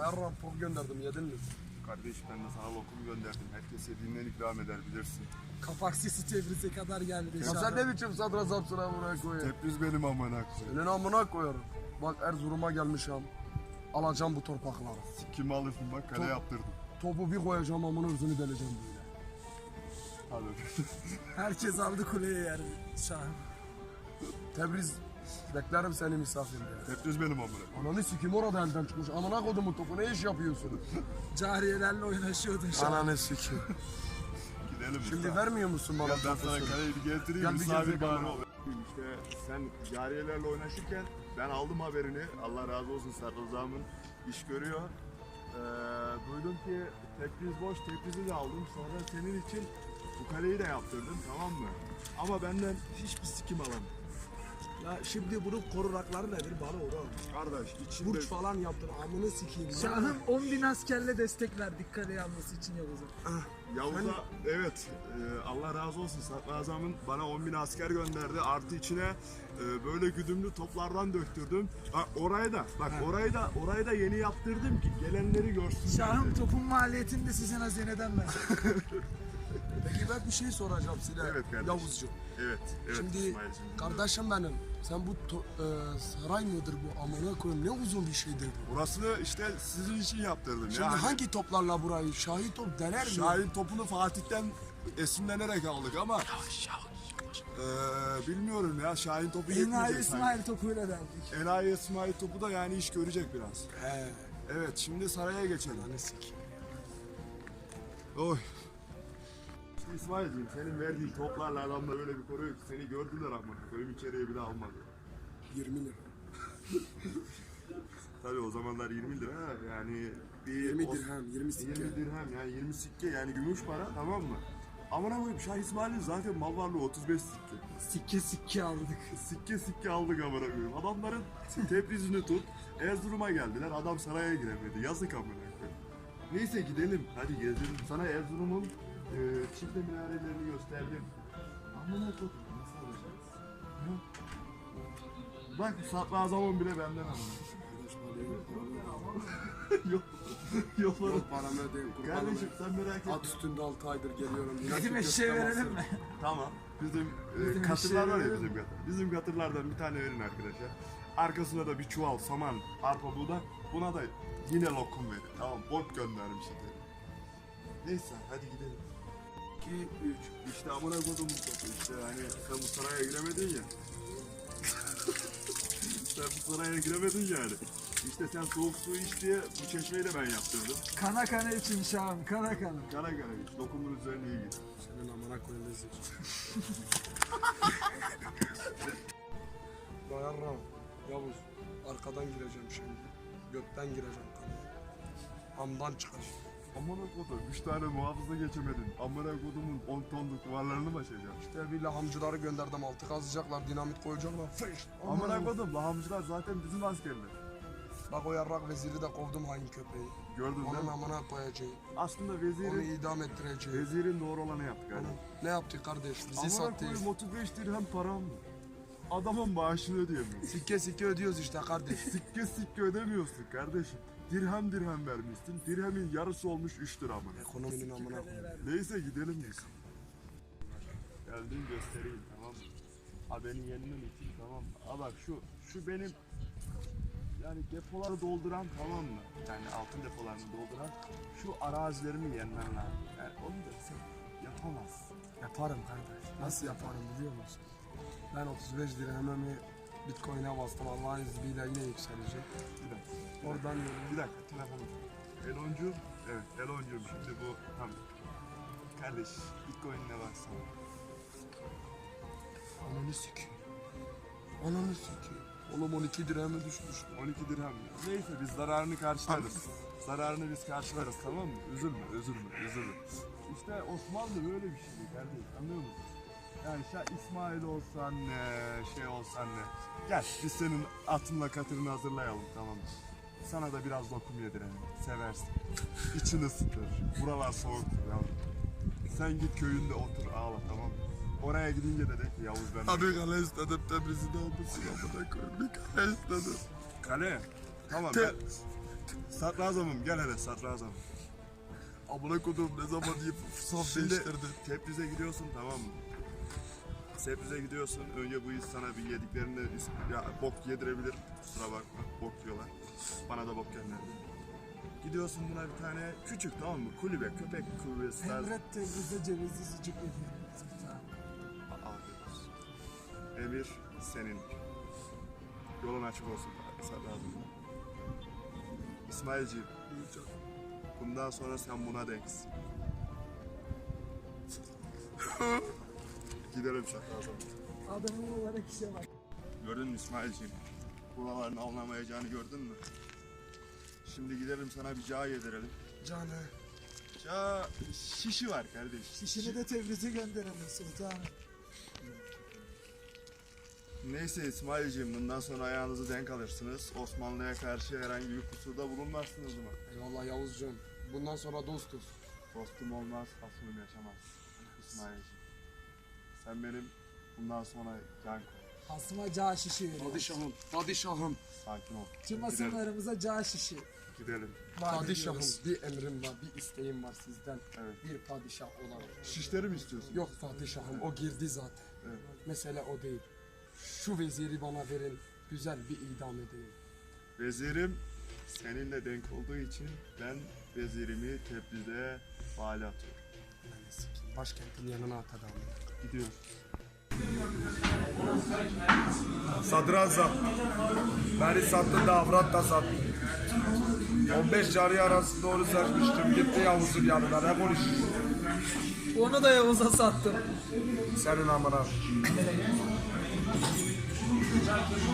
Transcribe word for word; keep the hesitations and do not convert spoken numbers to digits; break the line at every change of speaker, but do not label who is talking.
Yarram pop gönderdim, yedin mi?
Kardeş ben de sana lokum gönderdim. Herkes yediğinden ikram eder bilirsin.
Kapak sesi Tebriz'e kadar geldi.
Ya sen ne biçim sadrazamsın amına koyayım?
Tebriz benim amına koyayım.
Senin amına koyarım. Bak Erzurum'a gelmişim. Alacağım bu torpakları.
Kim alırsın bak kale
Top-
yaptırdım.
Topu bir koyacağım amına özünü deleceğim böyle.
Hadi.
Herkes aldı kuleye yer. Şahım.
Tebriz, beklerim seni misafirliğe.
Tebriz benim amına koyayım.
Ananı sikim orada elden çıkmış. Amına kodumun topu ne iş yapıyorsun?
Cariyelerle oynaşıyordun şahım.
Ananı sikim.
Gidelim.
Şimdi
usta.
vermiyor musun bana
Gel ben
topu?
sana kaleyi bir getireyim.
Gel bir
misafir
gezek
bana
bana.
ol. İşte sen cariyelerle oynaşırken ben aldım haberini. Allah razı olsun Sarrızam'ın iş görüyor. Ee, duydum ki Tebriz boş, Tebriz'i de aldım. Sonra senin için bu kaleyi de yaptırdım, tamam mı? Ama benden hiçbir sikim alamam.
Ya şimdi bunun korunakları nedir bana onu anlat.
Kardeş içinde...
Burç falan yaptın amını sikeyim.
Şahım on bin askerle destek verdik kale yanması için Yavuz'a.
Yavuz'a evet e, Allah razı olsun Sadrazam'ın bana on bin asker gönderdi. Artı içine e, böyle güdümlü toplardan döktürdüm. Ha, orayı da bak orayı da orayı da yeni yaptırdım ki gelenleri görsün.
Şahım topun maliyetini de sizin hazineden ver.
Peki ben bir şey soracağım size.
Evet kardeşim.
Yavuzcuğum.
Evet, evet
Şimdi
İsmail'cim.
kardeşim benim. Sen bu to- e, saray mıdır bu amına koyayım ne uzun bir şeydir bu.
Burasını işte sizin için yaptırdım.
Şimdi
yani.
hangi toplarla burayı? Şahin top dener mi?
Şahin topunu Fatih'ten esinlenerek aldık ama e, bilmiyorum ya Şahin topu
Enayi
yetmeyecek sanki.
İsmail topuyla verdik.
Enayi İsmail topu da yani iş görecek biraz.
He.
Evet şimdi saraya geçelim.
Ananı sikeyim.
Oy. İsmail'cim senin verdiğin toplarla adamlar öyle bir koruyor ki seni gördüler ama benim içeriye bile almadı.
yirmi lira.
Tabii o zamanlar yirmi lira yani bir
yirmi
o-
dirhem, yirmi sikke.
yirmi dirhem yani yirmi sikke yani gümüş para tamam mı? Amına koyayım Şah İsmail'in zaten mal varlığı otuz beş sikke.
Sikke sikke aldık.
Sikke sikke aldık amına koyayım. Adamların Tebriz'ini tut. Erzurum'a geldiler. Adam saraya giremedi. Yazık amına koyayım. Neyse gidelim. Hadi gezelim. Sana Erzurum'un e, çifte minarelerini gösterdim. Amına koyayım. Nasıl alacağız? Hı? Bak Sadrazam'ın bile benden amına. Yok. Yok oğlum.
Yok paramı ödeyin kurbanım.
Kardeşim sen merak etme.
At üstünde altı aydır geliyorum.
Bizim eşeğe verelim mi?
Tamam. Bizim, e,
Bizim
katırlar var ya
eşeğe
bizim katır. Bizim katırlardan bir tane verin arkadaşlar. Arkasına da bir çuval saman, arpa buğday. Buna da yine lokum verin. Tamam bot göndermiş işte. Neyse hadi gidelim. iki, üç. İşte amına kodumun topu işte hani sen bu saraya giremedin ya. Sen bu saraya giremedin yani. İşte sen soğuk su iç diye bu çeşmeyi de ben yaptırdım.
Kana kana için şahım kana kana.
Kara kara iç. Lokumun üzerine iyi git.
Senin amına koyayım lezzet. Dayanram. Yavuz. Arkadan gireceğim şimdi. Gökten gireceğim kanıya. Hamdan çıkar.
Amına kodum, üç tane muhafıza geçemedin. Amına kodumun on tonluk duvarlarını mı açacağım?
İşte bir lahamcıları gönderdim. Altı kazacaklar, dinamit koyacaklar. Fış.
Amına kodum, lahamcılar zaten bizim askerler.
Bak o yarrak veziri de kovdum hain köpeği.
Gördün değil
Onun
mi?
amına koyacağım.
Aslında
Onu
vezirin,
idam ettireceğim.
vezirin doğru olanı yaptık
Onu,
hani.
ne yaptı kardeş? Bizi
Amına
sattı.
koyayım otuz beş dirhem param mı? Adamın maaşını ödeyemiyorsun.
Sikke sikke ödüyoruz işte kardeş.
Sikke sikke ödemiyorsun kardeşim. Dirhem dirhem vermişsin. Dirhemin yarısı olmuş üç lira amına.
Ekonominin amına koyayım.
Neyse gidelim biz. Geldim göstereyim tamam mı? Ha beni yenmem için tamam mı? Ha bak şu, şu benim yani depoları dolduran tamam mı? Yani altın depolarını dolduran şu arazilerimi yenmen lazım. Yani onu da sen yapamazsın.
Yaparım kardeş. Nasıl yaparım biliyor musun? Ben otuz beş dirhemimi Bitcoin'e bastım. Allah'ın izniyle yine yükselecek.
Bir dakika.
Oradan
Bir dakika telefonu. Eloncu. Evet Eloncu'm şimdi bu tam. Kardeş Bitcoin'ine baksana.
ananı sikeyim. Ananı sikeyim. Oğlum on iki dirheme düşmüş.
on iki dirhem. Neyse biz zararını karşılarız. Zararını biz karşılarız tamam mı? Üzülme, üzülme, üzülme. İşte Osmanlı böyle bir şeydi kardeşim anlıyor musun? Yani Şah İsmail olsan ne, şey olsan ne. Gel biz senin atınla katırını hazırlayalım tamam mı? Sana da biraz lokum yedirelim. Seversin. İçini ısıtır. Buralar soğuktur yavrum. Sen git köyünde otur ağla tamam mı? Oraya gidince de de ki Yavuz ben...
Abi kale istedim Tebriz'in almasın amına koyayım. Bir kale istedim.
Kale. Tamam
Te-
ben... Sadrazamım gel hele sadrazamım.
Amına kodum ne zaman deyip saf
Şimdi
değiştirdi.
Tebriz'e gidiyorsun tamam mı? Tebriz'e gidiyorsun. Önce bu iş sana bir yediklerini ya bok yedirebilir. Kusura bakma. Bok yiyorlar. Bana da bok gönderdi. Gidiyorsun buna bir tane küçük tamam mı? Kulübe, köpek kulübesi tarzı.
Emret Tebriz'de cevizli sucuk yediğimiz bir tane.
Afiyet olsun. Emir senin. Yolun açık olsun. Sadrazam. İsmailciğim. Bundan sonra sen buna denksin. Gidelim sadrazam.
Adamın olarak işe bak.
Gördün mü İsmailciğim? Buraların alınamayacağını gördün mü? Şimdi gidelim sana bir cağ yedirelim.
Canı.
Cağ şişi var kardeş.
İşini de Tebriz'e gönderelim sultanım.
Neyse İsmailciğim bundan sonra ayağınızı denk alırsınız. Osmanlı'ya karşı herhangi bir kusurda bulunmazsınız mı?
Eyvallah Yavuzcuğum. Bundan sonra dostuz.
Dostum olmaz, hasmım yaşamaz. İsmailciğim. Sen benim bundan sonra can koy.
Asma cağ şişi veriyor.
Padişahım, padişahım,
Sakin ol.
Tüm
Gidelim.
asımlarımıza cağ şişi.
Gidelim.
vaat
padişahım.
ediyoruz.
Bir emrim var, bir isteğim var sizden.
Evet.
Bir padişah olarak.
Şişleri mi istiyorsun?
Yok padişahım, o girdi zaten.
Evet.
Mesele o değil. Şu veziri bana verin, güzel bir idam edeyim.
Vezirim seninle denk olduğu için ben vezirimi Tebriz'e vali atıyorum.
Yani sikeyim, başkentin yanına at adamı.
Gidiyoruz.
Sadrazam. Beni sattın da avrat da sattın. on beş cari arasında onu seçmiştim. Gitti Yavuz'un yanına. Ne konuşuyorsun?
Onu da Yavuz'a sattım.
Senin amına.